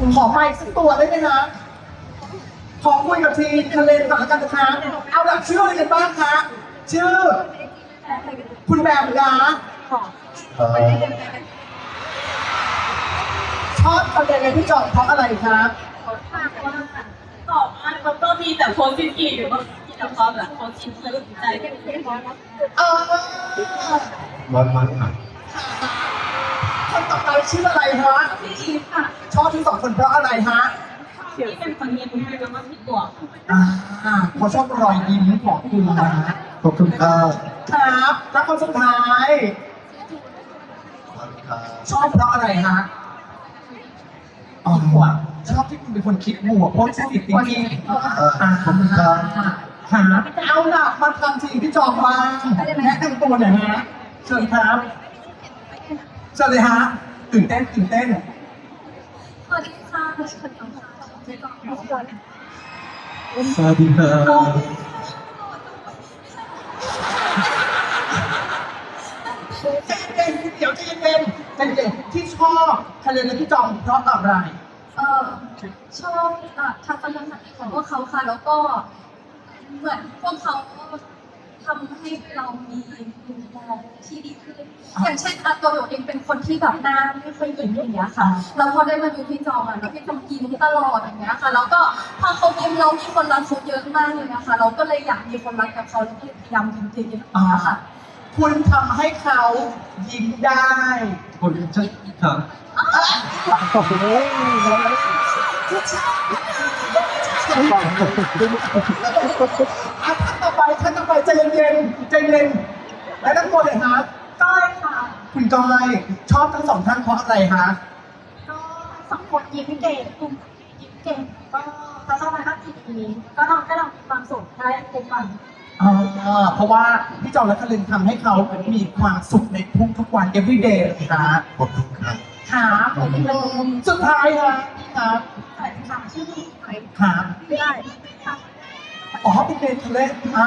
ขอไมค์สักตัวได้ไหมนะขอคุยกับทีมทะเลก่อนแล้วกันนะคะเอาหลักชื่ออะไรกันบ้างคะชื่อ คุณแบมนะชอบทำยังไงพี่จอมเพราะอะไรครับตอบมามันก็มีแต่โพสต์ที่อยู่ที่เราพร้อมแหละโพสต์ที่เธอสนใจแค่ไหนมันค่ะคนต่อไปชื่ออะไรฮะพี่อีฟค่ะชอบทั้งสองคนเพราะอะไรฮะที่เป็นคนเรียนรู้แล้วก็ที่ตัวเขาชอบรอยยิ้มของคุณนะขอบคุณครับครับแล้วคนสุดท้าย ชอบเพราะอะไรฮะอ๋อชอบที่คุณเป็นคนคิดบวกโพสิทีฟจริงๆขอบคุณครับหาเอาล่ะมาทำสิ่งที่จองบ้างแนะนำตัวหน่อยฮะเชิญครับเชิญเลยฮะตื่นเต้นสวัสดีค่ะฉันน้องค่ะเจ๊กองสวัสดีครับใจเย็นเดี๋ยวใจเย็นที่ชอบทะเลและที่จองเพราะอะไรชอบทัศนคติของพวกเขาค่ะแล้วก็เหมือนพวกเขาทำให้เรามีมุมมองที่ดีขึ้นอย่างเช่นตัวหนูเองเป็นคนที่แบบหน้าไม่ค่อยยิ้มอย่างเงี้ยค่ะแล้วพอได้มาดูพี่จองแล้วพี่จองยิ้มตลอดอย่างเงี้ยค่ะแล้วก็พอเขายิ้มเรามีคนรักเขาเยอะมากเลยนะคะเราก็เลยอยากมีคนรักกับเขาแล้วก็พยายามยิ้มเยอะๆค่ะคุณทำให้เขายิ้มได้คุณจะครับท่านต่อไปใจเย็นและทั้งตัวเลยฮะก้อยค่ะคุณก้อยชอบทั้งสองท่านเพราะอะไรฮะก็สองคนยิ้มเก่งกลุ่มยิ้มเก่งก็ทัศนคติดีก็ทำให้เรามีความสุขได้ทุกวันเพราะว่าพี่จอมและคลินทำให้เขามีความสุขในทุกวัน every day เลยนะขอบคุณครับครับสุดท้ายฮะพี่ครับสวัสดีค่ะชื่อพี่ไผ่ครับไม่ได้ค่ะอ๋อเป็นเดนทะเล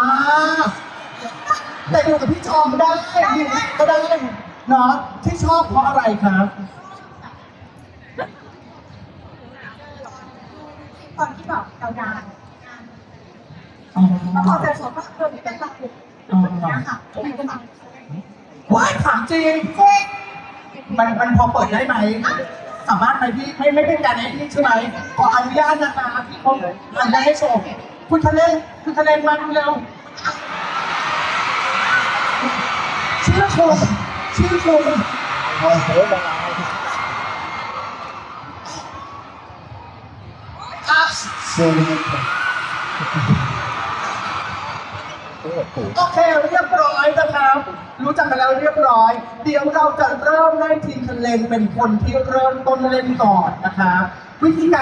แต่อยู่กับพี่จอมได้ก็ได้เนาะที่ชอบเพราะอะไรครับตอนที่แบบเราดานแล้วพอเจอสวนก็เริ่มเป็นแบบนี้ค่ะเป็นกำลังว้ายถามจริงมันพอเปิดได้ไหมสามารถไหมพี่ไม่เป็นการแอดมิใช่ไหมขออนุญาตนะคะพี่เขาทำได้ให้ชมคุณทะเลมาดูเร็วชื่อคุณอ่ะสวัสดีครับโอเคเรียบร้อยนะครับรู้จักกันแล้วเรียบร้อย เดี๋ยวเราจะเริ่มให้ทีมทะเลเป็นคนที่เริ่มต้นเล่นก่อนนะครับวิธีการ